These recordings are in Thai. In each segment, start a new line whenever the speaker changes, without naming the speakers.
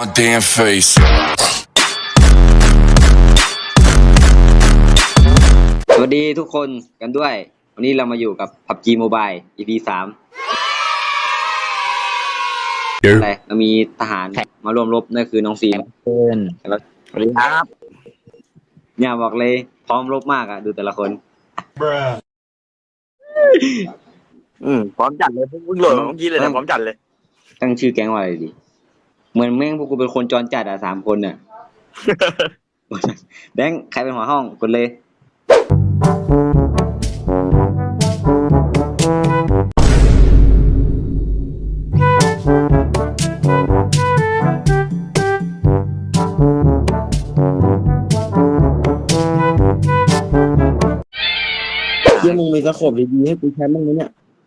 My damn face.
สวัสดีทุกคนกันด้วย วันนี้เรามาอยู่กับ PUBG Mobile EP 3อะไรเรามีทหารมาร่วมรบนั่นคือน้องฟิล์ม
เพื่อน
แล้ว
สวัสดีครับ
เนี่ยบอกเลยพร้อมรบมากอ่ะดูแต่ละคน
พร้อมจัดเลยเพิ่งโหลดเมื่อกี้เลยนะพร้อมจัดเลย
ตั้งชื่อแก๊งว่าอะไรดีเหมือนแม่งพวกกูเป็นคนจรจัดอ่ะ3 คนน่ะ แบงค์ใครเป็นหัวห้องกดเลย
เยี่ยมึงมีสโคปดีๆให้กูใช้บ้างไหมเนี่ย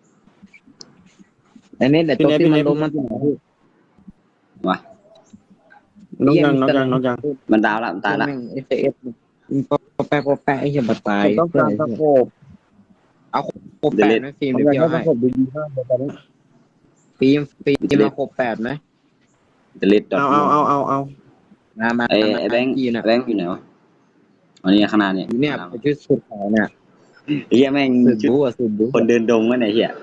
อันนี้แต่ตัวที่มันล้มมัน
วะ
น้องยัง
มันดาวละมันตายละ
เอฟเอฟพอแปะไอ้เหี้ยบัดตาย
ต้องการสโคป
เอาโคบแปดไหมฟิล์ม
ต้
เดี๋
อย ง
ว
การ
พี่เอา
ส
ให้
โคปดีๆมากเลยตอนนี้
ฟิล์มมาโคบแปดไหม
จะเล็ดดอท
เอา
มา
ไอ้แบงค์
ยีน่ะ
แบงค์อยู่ไหนวะอันนี้ข้างหน้าเนี่ย
เนี่ยชุดสุดขาวเนี่ย
เฮียแม่ง
สุด
ชุด
บู๊อ่ะสุดบู๊
คนเดินดงวะเนี่ยเฮีย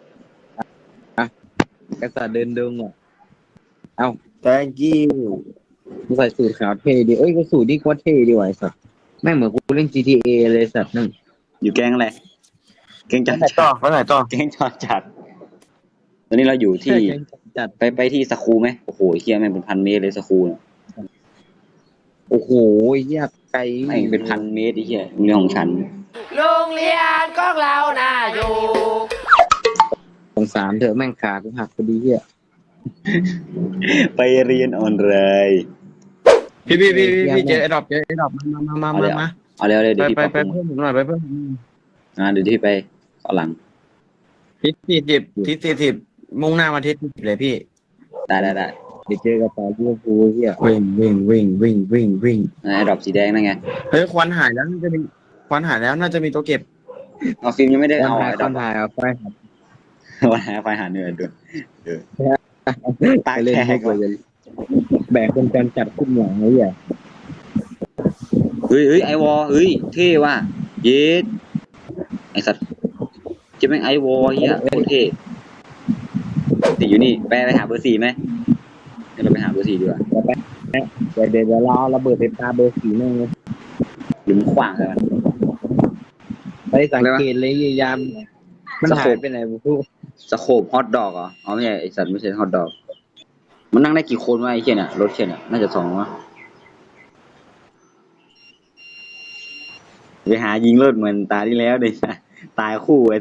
กระสาเดินดงอ่ะ
thank you
กูใส่สูทขาวเท่ดีเอ้ยกูสูทนี่โคตรเท่ดีว่ะไอ้สัสแม่งเหมือนกูเล่น GTA เลยสัสนั่น
อยู่แก๊งอะไรแก๊งจัด
ไปไหนต่อ
แก๊งจอดจัดตอนนี้เราอยู่ที่
จัด
ไปที่สคูไหมโอ้โหเฮียแม่งเป็น1,000 เมตรเลยสคูเนี่ย
โอ้โหเหี้ยไกล
แม่งเป็น1,000 เมตรไอ้เฮียโรงเรียนของฉัน
โรงเรียนของเราน่าอยู่
สงสารเถอะแม่งขากูหักพอดีเหี้ย
ไปเรียนออนไลน์
พี่เจอไอ้ดอกมา
เอาเร็วเดี๋ยวพี่
ไป
ปรับปรุง
เพิ่มหน่อยไปเพิ่ม
เดี๋ยวที่ไปข้างหลัง
ทิศ40มุ่งหน้ามาทิศ40เลยพี่
ได้
เดี๋ยวเจอกับต่อลิเวอร์พูลเหี้ย
วิ่ง
ไอ้ดอกสีแดงนั่นไง
เฮ้ยควันหายแล้วน่าจะมีตัวเก็บ
เอาฟิล์มยังไม่ได้
ค
เอา
นถ่าย
ไอ้
ค
ดอก
นถ่ายเอาไป
วันหาไฟหาเหนื่อยด้วยตา
ไปเล่น
แข
พว
ก
กเลยแบกเป็นการจัดขึ้นอย่างไรอ่ะ
เฮ้ยไอวอเฮ้ยเท่ว่ะเย็ดไอสัตว์จะแม่งไอวอเฮียโคตรเท่ติดอยู่นี่ไปหาเบอร์ 4ไหมเดี๋ยวเราไปหาเบอร์ 4ดีกว่า
เดี๋ยวรอระเบิดเต็มตาเบอร์สีนึง
หรือมันขวางเลยมัน
ไปสังเกตเลยยามมันหายไปไหนบุก
สโคปฮอตดอกเหรออ๋อไม่ใช่ไอสัตว์ไม่ใช่ฮอตดอกมันนั่งได้กี่คนวะไอ้เชี่ยเนี่ยรถเชี่ยเนี่ยน่าจะ2วะไปหายิงรถเหมือนตาที่แล้วเลยตายคู่ไอ้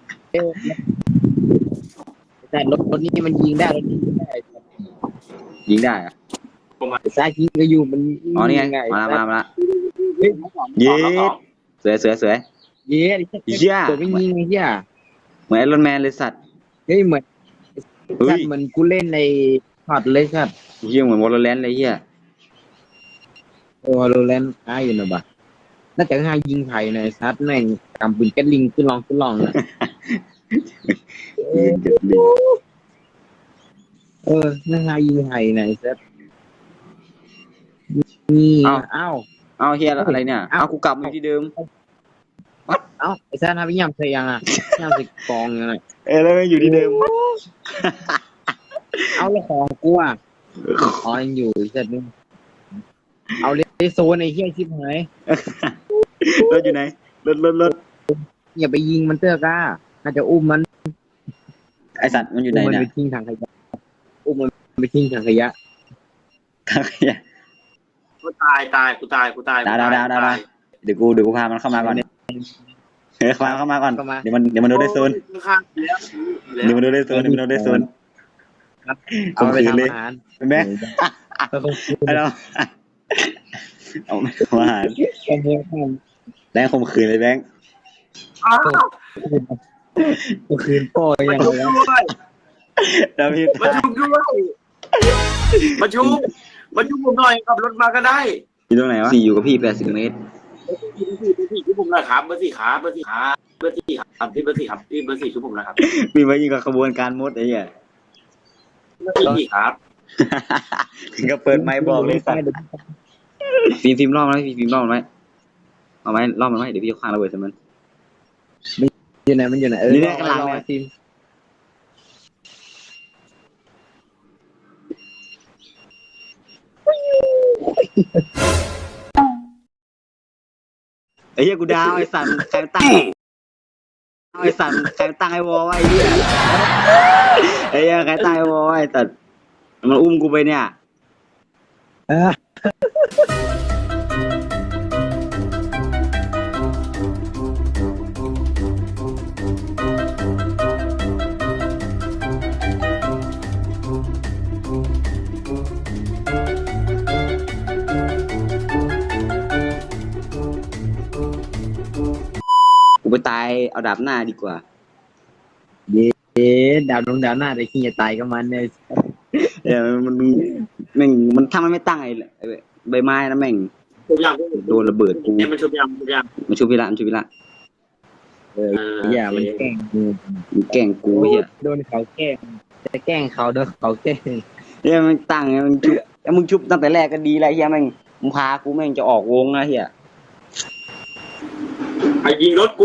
แต่รถนี้มันยิงได้รถนี้ยิงได้
ยิงได้อะ
ซ้ายยิงก็อยู่มัน
อ๋อนี่ไงมาละเย็ดเสือ
เย้ตัวไม่ยิงไอ้เหี้ย
เหมือนไอรอนแมนเลยสัตว์
เฮ้ยเหมือน
เฮ้ย
เหมือนกูเล่นในพอดเลยสัตว์
เฮียเหมือนวอลเลนเลยเฮีย
โรแลนด์อยู่นะบ่น่าจะหายิงไผ่ในซัดแม่งกำปืนแก๊สลิงขึ้นลองนะ
ปืนเจ็ดลิง
น่าหายิงไผ่ในซัดนี่อ้าว
เอาเฮียอะไรเนี่ยเอากูกลับมาที่เดิม
ไอ้ซัดทำยังใส่ยังอ่ะยังใส่กองยังไง
แล้วมันอยู่ที่เดิม
เอาแล้วของกูอ่ะอ๋อยังอยู่ไอ้ซัดนึงเอาเลยโซนไอ้เหี้ยชิบหาย
รถอยู่ไหนรถ
อย่าไปยิงมันเตอร์ก้าน่าจะอุ้มมัน
ไอสัตว์มันอยู่ไหน
มัน
เนี่ย
ไปทิ้งถังขยะอุ้มมันไปทิ้งถังขยะ
กูตายกูตาย
ได้เดี๋ยวกูพามันเข้ามาก่อนพาเข้ามาก่อนเดี๋ยวมันโดนได้โซนเดี๋ยวมันโดนได้โซน
เอาไปทำอาหาร
แม่ไอเราเอาอาหารแบงค์ข่มขืนเลยแบงค์
ก็คืนโป้ยังไง
ดาวิด
มาชุบผมหน่อยขับรถมาก็ได้
อยู่ตรงไหนวะ4อยู่กับพี่80 เมตร
ชุบผมนะครับเบอร์4ครับที่เบอร์ 4ครับชุบผมนะครับ
มีไว้ยิงกับขบวนการมดไอ้เหี้ย
เบอร์ 4ครับ
ถึงก็เปิดไมค์บอกเลยสัตว์ฟิล์มรอบมันไหมฟิล์มรอบมันไหมเอาไหมรอบมันไหมเดี๋ยวพี่จะคว้างระเบิดใส่มัน
อยู่ไหนมันอยู่ไหน
นี่กำลังเนี่ย
ทีม
ไอ้เหี้ยกูดาวไอ้สัตว์ใครตั้งไอ้สัตว์ใครตั้งไอ้วอลไอ้เหี้ยไอ้เหี้ยใครตั้งไอ้วอลไอ้สัตว์มันอุ้มกูไปเนี่ย
อ่ะ
กูไปตายเอาดาบหน้าดีกว่า
เอ๊ะดาวลงดาวหน้าแต่ขี้จะตายกับมันเนี่ย
เออมันแม่งมันถ้ามันไม่ตั้งไอ้ใบไม้นะแม่ง
ชุบยัง
โดนระเบิดกู
เนี่ยมันชุบยังชุบยัง
มันชุบพิระมันชุบพิระ
อย่ามันแกล้งกู
มันแกล้งกูเหี้ย
โดนเขาแกล้งจะแกล้งเขาโดนเขาแกล้ง
เหี้ยมันตั้งไงมันชุบแล้วมึงชุบตั้งแต่แรกก็ดีแล้วเหี้ยแม่งมึงพากูแม่งจะออกวงนะเหี้ย
ไอ้ยิงรถกู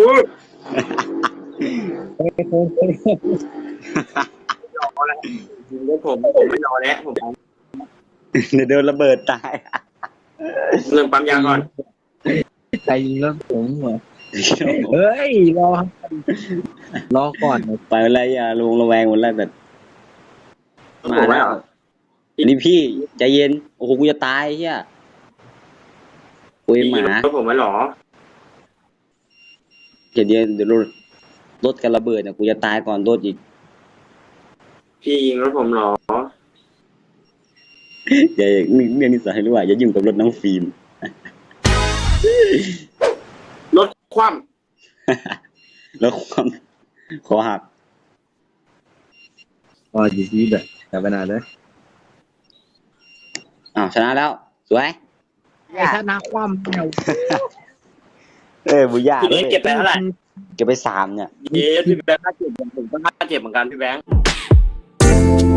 ยิงรถผมไม่รอแล้วผม
เดี๋ยวโดนระเบิดตาย
เรื่องปั๊มยาก่อน
ใจยิงแล้วผมเหรอเฮ้ยรอก่อน
ไปอะไรอ่ะลงระแวงหมดแล้วแต่
ผมไม่เอา
นี่พี่ใจเย็นโอ้โหกูจะตายเฮียคุยห
ยิ
มาง
รถผมไม่หรอ
เดี๋ยวรถกันระเบิดเนี่ยกูจะตายก่อนรถอีก
พี่ยิงรถผมหรอ
อย่าเรื่องนี้สอนให้รู้ว่าอย่ายุ่งกับรถน้องฟิล์ม
รถคว่
แล้วความคอหัก
อ๋อจีจีแบบกลับไปนานเลย
อ้าวชนะแล้วสวย
ถ้านักความเดียว
บุญญา
ำพี่เก็บไปเท่าไหร่
เก็บไป3เนี่ย
พี่แบงค์ค่าเจ็บผมก็ค่าเจ็บเหมือนกันพี่แบงค์